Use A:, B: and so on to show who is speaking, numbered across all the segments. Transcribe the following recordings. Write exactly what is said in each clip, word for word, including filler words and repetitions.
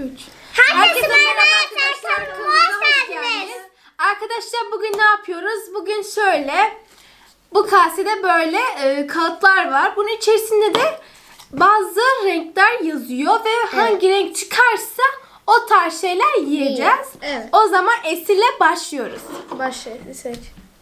A: üç.
B: Herkese merhaba arkadaşlar. Hoş geldiniz.
A: Arkadaşlar bugün ne yapıyoruz? Bugün şöyle, bu kasede böyle e, kağıtlar var. Bunun içerisinde de bazı renkler yazıyor ve evet. hangi renk çıkarsa o tarz şeyler yiyeceğiz.
B: Evet.
A: O zaman Esil'le başlıyoruz.
B: Başlayalım. Seç.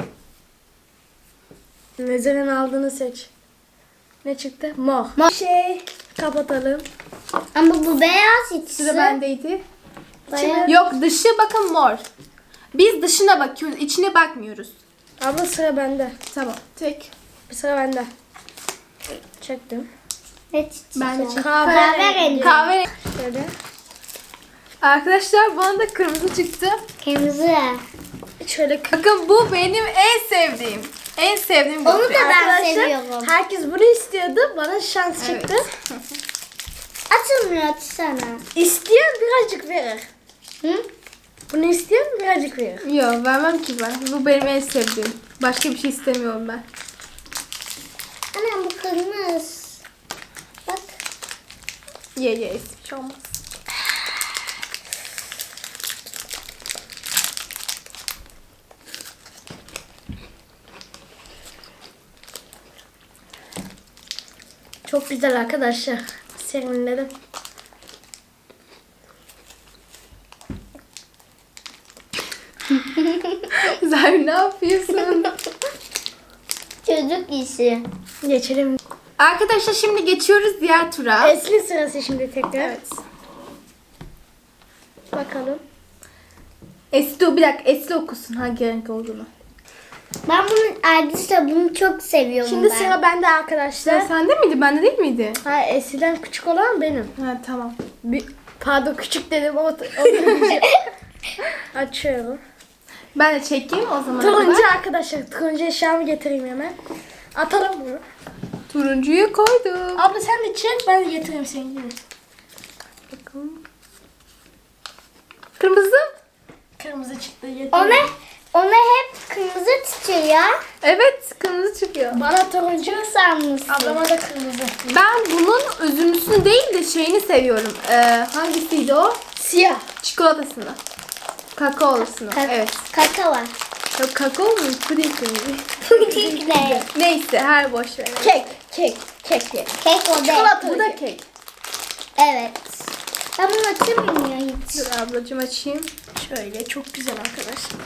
B: Nezerin aldığını seç. Ne çıktı? Mor. Mor. Şey kapatalım.
C: Ama bu beyaz içi.
A: Sıra bendeydi.
C: Bayağı-
A: Yok, dışı bakın mor. Biz dışına bakıyoruz, içine bakmıyoruz.
B: Abla sıra bende.
A: Tamam. Tek.
B: Bir sıra bende. Çektim.
C: Ne çiçeği?
A: Ben de çektim.
C: Kahverengi.
A: Kahve.
B: Şöyle.
A: Arkadaşlar bana da kırmızı çıktı.
C: Kırmızı.
B: Şöyle kı-
A: Bakın bu benim en sevdiğim. En sevdiğim
C: Onu
A: gofret.
C: da ben
B: Arkadaşlar,
C: seviyorum.
B: herkes bunu istiyordu. Bana şans
A: Evet.
B: çıktı.
C: Açılmıyor, açsana.
B: İsteyen birazcık verir.
C: Hı?
B: Bunu isteyen birazcık verir.
A: Yok, vermem ki ben. Bu benim en sevdiğim. Başka bir şey istemiyorum ben.
C: Anam bu kırmızı. Bak.
A: Ye ye, hiçbir şey olmaz.
B: Çok güzel arkadaşlar. Serinledim.
A: Zahir ne yapıyorsun?
C: Çocuk işi.
B: Geçelim.
A: Arkadaşlar şimdi geçiyoruz diğer tura.
B: Esli sırası şimdi tekrar.
A: Evet.
B: Bakalım.
A: Esli, bir dakika, Esli okusun hangi renk olduğunu.
C: Ben bunun ayrıca bunu çok seviyorum
B: Şimdi
C: ben.
B: sıra bende
A: Sen
B: arkadaşlar.
A: sende miydi? Bende değil miydi?
B: Ha, Esli'den küçük olan benim.
A: Ha tamam.
B: Bir, pardon küçük dedim ama o açıyorum.
A: Ben de çekeyim o zaman.
B: Turuncu arkadaşlar. Turuncu eşyamı getireyim hemen. Atalım bunu.
A: Turuncuyu koydum.
B: Abla sen de çek, ben de getireyim senin gibi.
A: Bakalım. Kırmızı.
B: Kırmızı çıktı, getireyim.
C: Ona, ona hep kırmızı tutuyor.
A: Evet, kırmızı çıkıyor.
B: Bana turuncu,
C: Çok sanmışsın.
B: ablama da kırmızı.
A: Ben bunun üzümlüsünü değil de şeyini seviyorum. Ee, hangisiydi o?
B: Siyah.
A: Çikolatasını. Kakaolusunu.
C: Ka-
A: Evet.
C: Kaka var.
A: Yok, kakao mu? Puding mi?
C: Puding ne?
A: Neyse, her boş ver.
B: Kek, kek, kek ye.
C: Kek o değil.
A: Bu da kek.
C: Evet. Ben bunu açamıyorum ya hiç.
A: Dur ablacığım açayım.
B: Şöyle çok güzel arkadaşlar.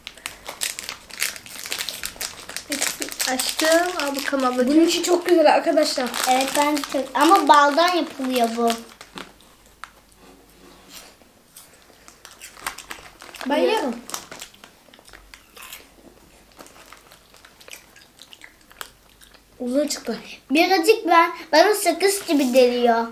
A: Açtım. Al bakalım ablacığım.
B: Bunun içi çok güzel arkadaşlar.
C: Evet ben de çok. Ama baldan yapılıyor bu.
B: Ben yerim. Uzun çıktı.
C: Birazcık ben bana sakız gibi geliyor.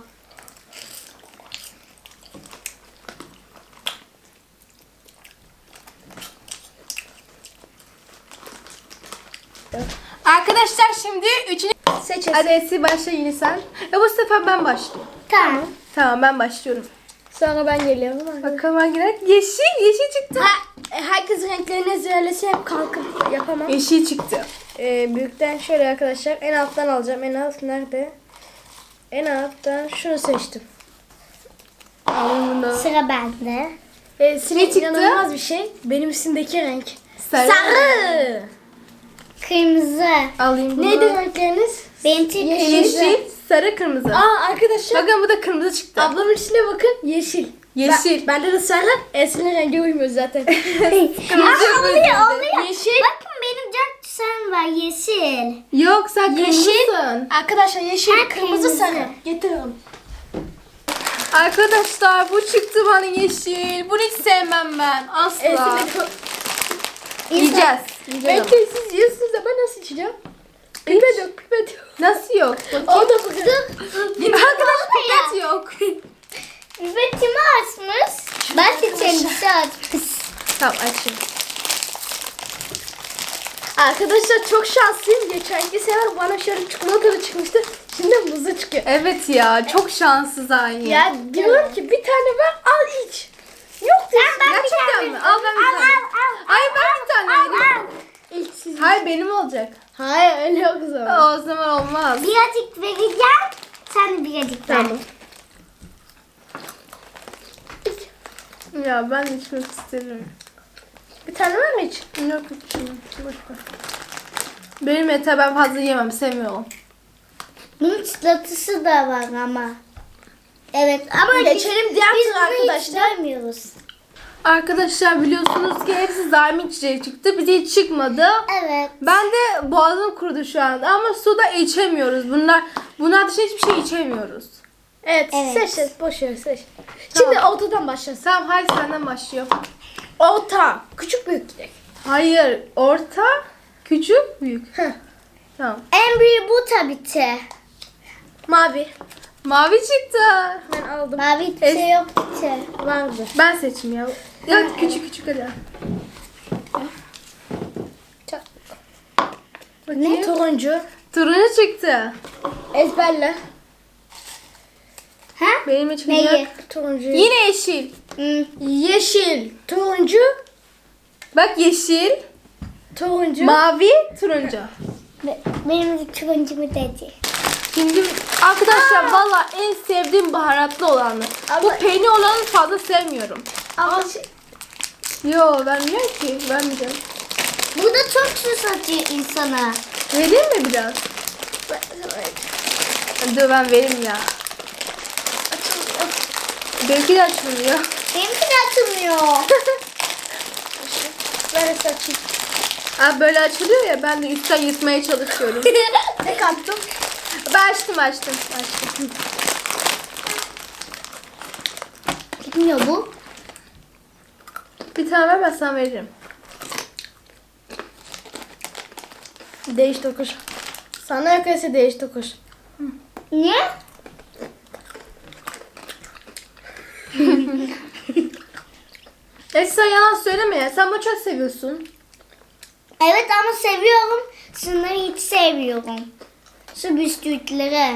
A: Arkadaşlar şimdi üçüncü...
B: Seç
A: Hadi Esi başla yine sen. Ya bu sefer ben başlayayım.
C: Tamam.
A: Tamam, ben başlıyorum.
B: Sonra ben geliyorum.
A: Bakalım hangi renk? Yeşil, yeşil çıktı.
B: Ha, e, herkes renklerini ezberlese hep kalkıp yapamam.
A: Yeşil çıktı.
B: Ee, büyükten şöyle arkadaşlar, en alttan alacağım. En alt nerede? En alttan şunu seçtim.
A: Alın bunu.
C: Sıra bende.
B: Ee, sinek
A: çıktı?
B: inanılmaz bir şey. Benim üstümdeki renk.
A: Sarı.
B: Sarı.
C: Kırmızı.
A: Alayım bunu.
B: Neydi renkleriniz?
C: Benimki
A: Yeşil,
C: kırmızı.
A: sarı, kırmızı.
B: Aa arkadaşlar,
A: Bakın bu da kırmızı çıktı.
B: ablamın içine bakın, yeşil.
A: Yeşil.
B: Ben, bende de sarı. Esin'in rengi uymuyor zaten.
A: Kırmızı yok
C: oluyor,
A: özünde.
C: oluyor.
B: Yeşil.
C: Bakın benim dört sen var yeşil.
A: Yok, sen
B: Yeşil.
A: kırmızısın.
B: Arkadaşlar yeşil,
C: Ha,
B: kırmızı,
C: kırmızı.
B: sarı. Getiriyorum.
A: Arkadaşlar bu çıktı bana yeşil. Bunu hiç sevmem ben. Asla.
B: Esin'in
A: Yiyeceğiz. Yiyeceğiz.
B: Bekleyin, siz yiyorsunuz da ben nasıl içeceğim? Pipet yok, pipet yok.
A: Nasıl yok?
B: O da bakın.
A: Arkadaşlar pipet yok.
C: Üretimi açmış. Ben de kendisi açmış.
A: Tamam, açayım.
B: Arkadaşlar çok şanslıyım. Geçenki sefer bana şöyle çikolatalı çıkmıştı. Şimdi muzlu çıkıyor.
A: Evet ya, çok şanssız aynı.
B: Ya diyorum ki bir tane ver, al iç. Yok diyorsun.
C: ben bir
A: Gerçekten
C: tane-
A: mi? Al ben bir
C: Al,
A: tane.
C: al, al,
A: Hayır, ben bir tane vereyim.
C: al.
B: İlk siz.
A: Hayır, benim olacak.
B: Hayır öyle yok o zaman.
A: O zaman olmaz.
C: Birazcık vereceğim. Sen de birazcık ver.
B: Tamam.
A: Ya ben içmek isterim.
B: Bir tane var mı hiç?
A: Yok yok içmem. Boş ver. Benim yeter, ben fazla yemem, sevmiyorum.
C: Bunun çıtlatısı da var ama. Evet ama
B: Geçelim
C: biz,
B: diğer
C: biz
B: tura
C: bunu hiç
B: arkadaşlar.
C: görmüyoruz.
A: Arkadaşlar biliyorsunuz ki hepsi daimi içecek çıktı. Bize hiç çıkmadı.
C: Evet.
A: Ben de boğazım kurudu şu anda ama su da içemiyoruz. Bunlar bunlar dışında hiçbir şey içemiyoruz.
B: Evet,
C: Evet.
B: seç seç. Boş ver seç.
A: Tamam.
B: Şimdi ortadan başlasın.
A: Tamam, haydi senden başlıyor.
B: Orta. Küçük büyük gidelim.
A: Hayır, orta, küçük, büyük.
B: Heh.
A: Tamam.
C: En büyüğü bu tabii ki.
B: Mavi.
A: Mavi çıktı.
B: Ben aldım.
C: Mavi hiçbir
A: Es-
C: şey yok ki.
B: Vardı.
A: Ben seçeyim ya. Ya küçük küçük hadi.
B: Ne? Turuncu.
A: Turuncu çıktı.
B: Ezberle.
C: Ha?
A: Benim için
C: Neyi?
B: Turuncu.
A: Yine yeşil.
C: Hmm.
B: Yeşil. Turuncu.
A: Bak yeşil,
B: Turuncu.
A: mavi, turuncu.
C: Be- Benim de turuncumu dedi.
A: Şimdi arkadaşlar valla en sevdiğim baharatlı olanı. Bu
B: Ama-
A: peynir olanı fazla sevmiyorum.
B: Ama şey,
A: Yo, vermiyor ki. Vermeyeceğim.
C: Bu da çok sus atıyor insana.
A: Vereyim mi biraz? Dur ben vereyim ya. Belki de açılmıyor.
C: Benimki de açılmıyor.
B: ben saçayım.
A: Aa, böyle açılıyor ya, ben de üstten yırtmaya çalışıyorum.
B: Ne kattım?
A: Ben açtım açtım. açtım.
C: Gitmiyor bu.
A: Bir tane ver, ben sana veririm.
B: Değiş tokuş. Sana yakası değiş tokuş.
C: Niye?
A: E sen yalan söyleme ya. Sen bunu çok seviyorsun.
C: Evet ama seviyorum. Şunları hiç sevmiyorum. Şu bisküvileri.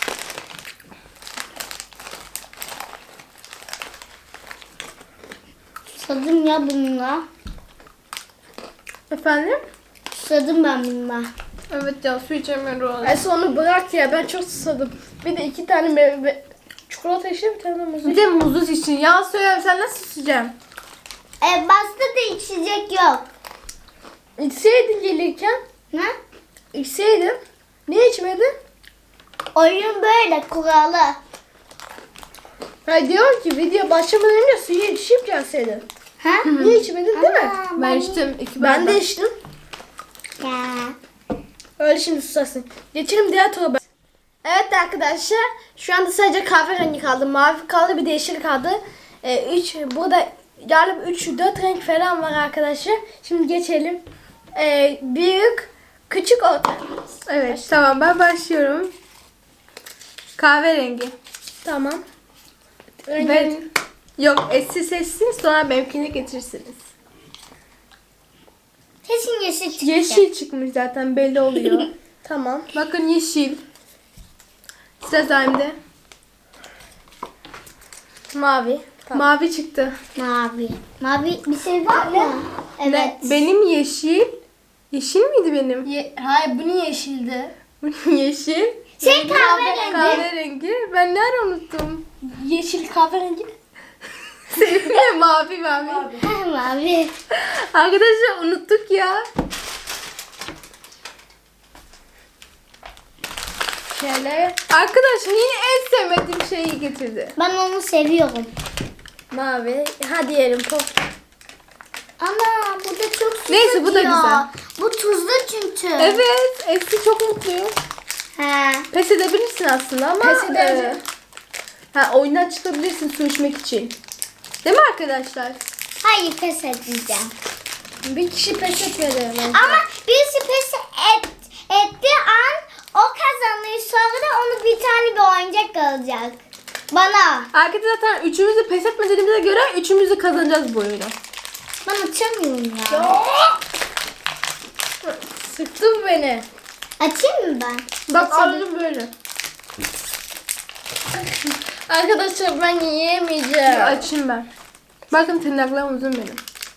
C: Susadım ya bununla.
A: Efendim?
C: Susadım ben bununla.
A: Evet ya, su içemiyorum.
B: Ayşe onu bırak ya, ben çok susadım. Bir de iki tane meyve, çikolata işte bir tane de muz.
A: Bir de muzlu için. Yalan söyleme, sen nasıl içeceksin?
C: E basta da içecek yok.
B: İçseydin gelirken.
C: Ne?
B: İçseydin. Niye içmedin?
C: Oyun böyle kuralı.
B: Ha diyorum ki video başlamadan önce suyu içip gelseydin.
C: Ha?
B: Niye içmedin değil mi?
C: Aa,
A: Ben içtim. iki
B: Ben de
A: bardak.
B: içtim.
C: Ya.
B: Öyle şimdi susarsın. Geçelim diğer tura. Evet arkadaşlar, şu anda sadece kahverengi kaldı, mavi kaldı, bir de yeşil kaldı. Ee, üç, burada galiba üç dört renk falan var arkadaşlar. Şimdi geçelim. Ee, büyük, küçük, orta.
A: Evet tamam, ben başlıyorum. Kahverengi.
B: Tamam. Rengi.
A: Ben... Yok, eski seçsin, sonra benimkini getirirsiniz.
C: Kesin yeşil çıkacak.
A: Yeşil çıkmış zaten, belli oluyor.
B: Tamam.
A: Bakın yeşil. Sıra Zaim'de.
B: Mavi. Tamam.
A: Mavi çıktı.
C: Mavi. Mavi bir şey var mı? Evet.
A: Ne? Benim yeşil. Yeşil miydi benim?
B: Ye- Hayır, bu niye yeşildi?
A: Yeşil.
C: Şey kahverengi.
A: Kahverengi. Ben nerede unuttum?
B: Yeşil kahverengi.
A: Sevimli mavi mavi.
C: Ha, mavi.
A: Arkadaşlar unuttuk ya.
B: Şöyle
A: Arkadaşım yine en sevmediğim şeyi getirdi.
C: Ben onu seviyorum.
B: mavi. Ha diyelim pop.
C: Ana bu da çok süt
A: Neyse, bu da
C: atıyor.
A: güzel.
C: Bu tuzlu çünkü.
A: Evet. Eski çok mutluyum.
C: He.
A: Pes edebilirsin aslında ama.
B: Pes ederim.
A: e, ha, oyundan çıkabilirsin su içmek için. Değil mi arkadaşlar?
C: Hayır pes edeceğim.
B: Bir kişi pes etmedi bence.
C: Ama birisi pes et, ettiği an o kazanıyor. Sonra da onu bir tane bir oyuncak alacak. Bana.
A: Arkadaşlar zaten üçümüz de pes etmediğimize göre üçümüz de kazanacağız bu oyunu.
C: Ben açamıyorum ya.
B: Sıktın beni.
C: Açayım mı ben?
A: Bak aldım böyle.
B: Arkadaşlar ben yiyemeyeceğim.
A: Bir açayım ben. Bakın tırnaklarım uzun benim.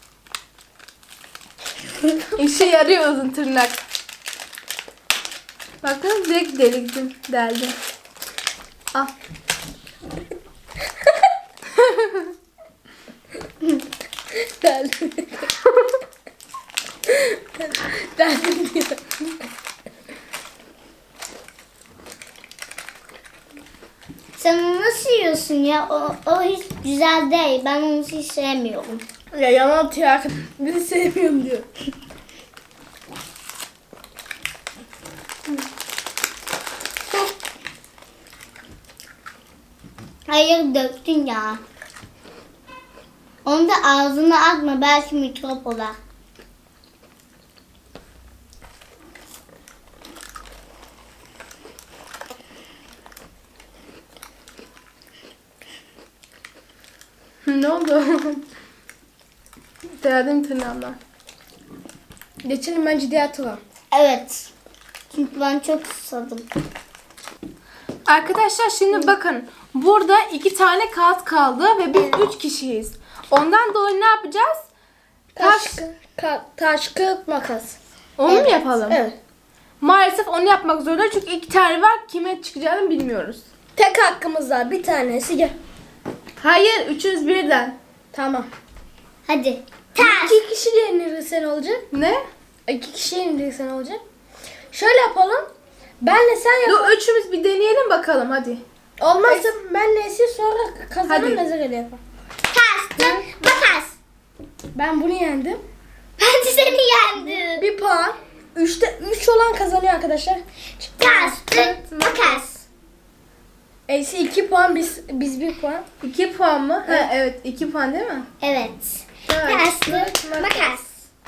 A: İşe yarıyor uzun tırnak. Bakın direkt deliktim, deldim. Al.
B: Deldim. Deldim diyor.
C: Sen onu nasıl yiyorsun ya? O, o hiç güzel değil. Ben onu hiç sevmiyorum.
B: Ya yalan atıyor arkadaş. Bizi sevmiyorum diyor.
C: Hayır döktün ya. Onu da ağzına atma. Belki mikrop olar.
A: Ne oldu? Derdim tırnağımdan.
B: Geçelim bence diğer tura.
C: Evet. Çünkü ben çok susadım.
A: Arkadaşlar şimdi bakın. Burada iki tane kağıt kaldı ve biz üç kişiyiz. Ondan dolayı ne yapacağız?
B: Taş,
A: Taş.
B: ka- taş, kağıt, makas.
A: Onu mu
C: Evet.
A: yapalım?
B: Evet.
A: Maalesef onu yapmak zorunda çünkü iki tane var. Kime çıkacağını bilmiyoruz.
B: Tek hakkımız var. Bir tanesi gel.
A: Hayır, üçümüz birden.
B: Tamam.
C: Hadi. Taş.
B: İki kişi yenilirse ne olacak?
A: Ne?
B: İki kişi yenilirse ne olacak? Şöyle yapalım. Benle sen yap.
A: Dur üçümüz bir deneyelim bakalım hadi.
B: Olmazsa benle Esin sonra kazanan
A: Hadi.
B: Nezireli yapar.
C: Taş. Tut. Makas.
B: Ben bunu yendim.
C: Ben de seni yendim.
B: Bir puan. Üçte üç olan kazanıyor arkadaşlar.
C: Taş. Tut. Makas.
B: Eksi iki puan, biz biz bir puan.
A: İki puan mı? Ha, evet iki puan değil mi?
C: Evet. Taş. Tut. Makas.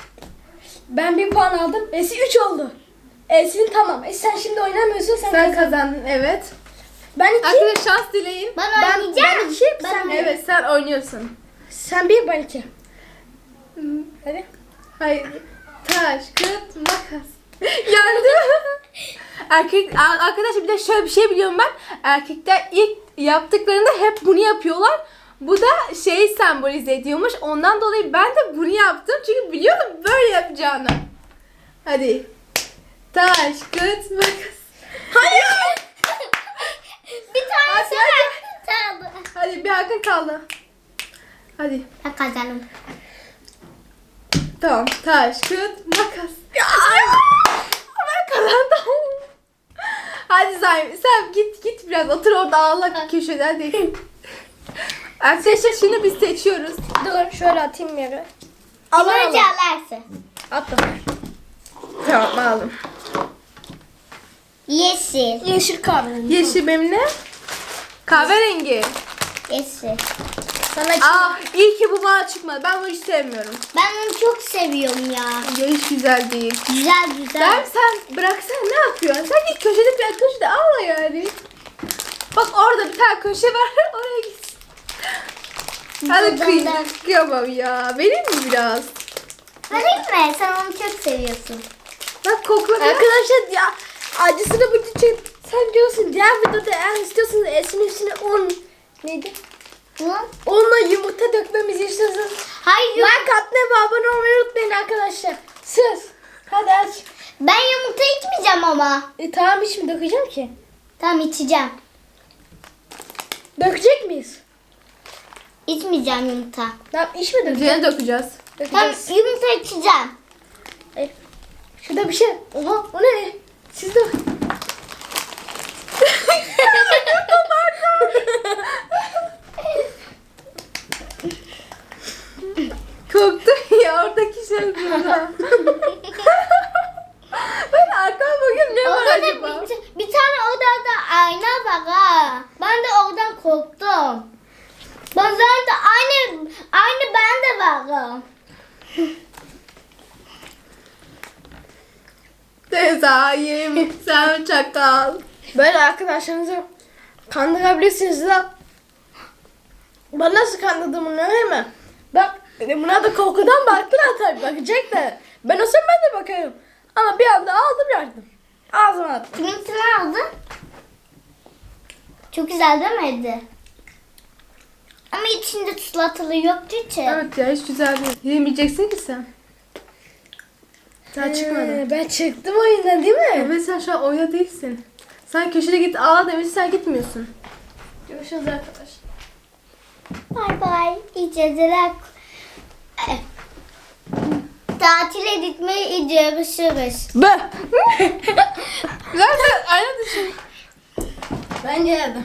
B: Ben bir puan aldım. Esin üç oldu. Esin tamam. E sen şimdi oynamıyorsun, sen,
A: Sen
B: kazan.
A: kazandın evet.
B: Ben iki.
A: Arkadaşlar şans dileyin.
C: Ben
B: Ben,
C: oynayacağım.
B: ben iki,
C: Ben
B: sen bir.
A: Evet sen oynuyorsun.
B: Sen bir, ben iki. Hadi.
A: Hayır. Taş, kağıt, makas. Yendim. Erkek a- arkadaşlar bir de şöyle bir şey biliyorum ben. Erkekler ilk yaptıklarında hep bunu yapıyorlar. Bu da şeyi sembolize ediyormuş. Ondan dolayı ben de bunu yaptım. Çünkü biliyordum böyle yapacağını. Hadi. Taş, kağıt, makas. Hayır.
C: Bir tane
A: Hadi,
C: sen kaldı.
A: Hadi bir hakkın kaldı. Hadi.
C: Ben kazandım.
A: Tamam. Taş, kağıt, makas. Ya, ben kazandım. Hadi Zaym sen git git biraz otur orada ağla köşeden değil. Arkadaşlar şimdi biz seçiyoruz.
B: Dur şöyle atayım yere.
C: Ama
B: Al al.
C: çalarsa.
B: Attım.
A: Tamam aldım.
C: Yeşil.
B: Yeşil kahverengi.
A: Yeşil benim ne? Kahverengi.
C: Yeşil.
B: Sana iki.
A: Aa iyi ki bu bana çıkmadı. Ben bunu hiç sevmiyorum.
C: Ben onu çok seviyorum ya.
A: Ya hiç güzel değil.
C: Güzel güzel.
A: Ben sen bıraksana ne yapıyorsun? Sen git köşede biraz köşede ağla yani. Bak orada bir tane köşe var oraya git. Hadi
C: Buradan
A: kıyım.
C: da-
A: Kıyamam ya. Vereyim mi biraz?
C: Vereyim mi? Sen onu çok seviyorsun.
A: Bak kokla biraz.
B: Arkadaşlar ya acısını bu için sen diyorsun diğer videoda eğer istiyorsanız Esin üstüne un neydi?
C: Hı?
B: Unla yumurta dökmemizi istiyorsanız
C: Hayır.
B: like atmayı ve abone olmayı unutmayın arkadaşlar. Söz. Hadi aç.
C: Ben yumurta içmeyeceğim ama.
B: E, tamam hiç mi dökeceğim ki?
C: Tamam içeceğim.
B: Dökecek miyiz?
C: İçmeyeceğim yumurta.
B: Tamam iş mi dökeceğiz?
A: Üzerine dökeceğiz.
C: Tamam
B: Dökeceğiz.
C: yumurta içeceğim.
B: E, şurada bir şey. Oha o ne? Siz de
A: Korktum ya oradaki şey burada. Ben arkama bakıyorum ne var
C: Orada
A: acaba?
C: da bir, bir tane odada ayna var ha. Ben de oradan korktum. Ben zaten aynı aynı ben de varım.
A: Tezayim sen çakal.
B: böyle arkadaşlarınızı kandırabilirsiniz lan. Ben nasıl kandırdığımı öyle mi? Bak buna da korkudan baktılar tabii bakacak da. Ben olsam ben de bakarım. Ama bir anda aldım yardım. Ağzıma attım.
C: Kiminki aldın? Çok güzel değil miydi? Ama içinde salatalı yoktu hiç.
A: Evet ya hiç güzel değil. Yemeyeceksin ki sen. Sen çıkmadın.
B: Ee, ben çıktım oyundan değil mi?
A: Evet sen şu an oyunda değilsin. Sen köşede git ağla demişsin sen gitmiyorsun.
B: Görüşürüz arkadaşlar.
C: Bay bay. İyi geceler. Eh, tatile gitmeyi görüşürüz.
A: Bı. Zaten aynı düşün.
B: Ben geldim.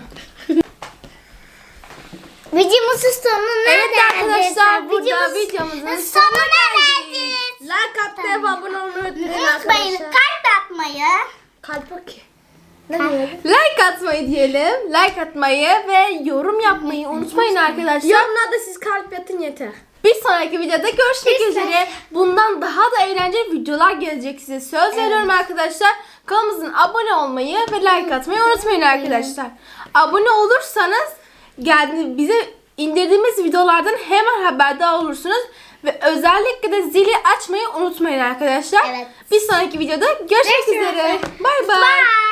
C: Videomuzun sonuna
A: Evet
C: geldik.
A: arkadaşlar burada
C: Videomuz-
A: videomuzun
C: sonuna geldik.
B: Like atmayı ve abone olmayı unutmayın
C: Unutmayın
B: arkadaşlar.
C: kalp atmayı.
B: Kalp bakayım. Ne diyor?
A: Like atmayı diyelim. Like atmayı ve yorum yapmayı unutmayın arkadaşlar.
B: Yorumlarda siz kalp yatın yeter.
A: Bir sonraki videoda görüşmek
C: Bir
A: üzere. Bundan daha da eğlenceli videolar gelecek size. Söz veriyorum arkadaşlar. Kanalımızın abone olmayı ve like atmayı unutmayın arkadaşlar. Abone olursanız geldi bize indirdiğimiz videolardan hemen haberdar olursunuz. Ve özellikle de zili açmayı unutmayın arkadaşlar.
C: Evet.
A: Bir sonraki videoda görüşmek
C: Görüşürüz.
A: üzere. Bay bay.
C: Bye.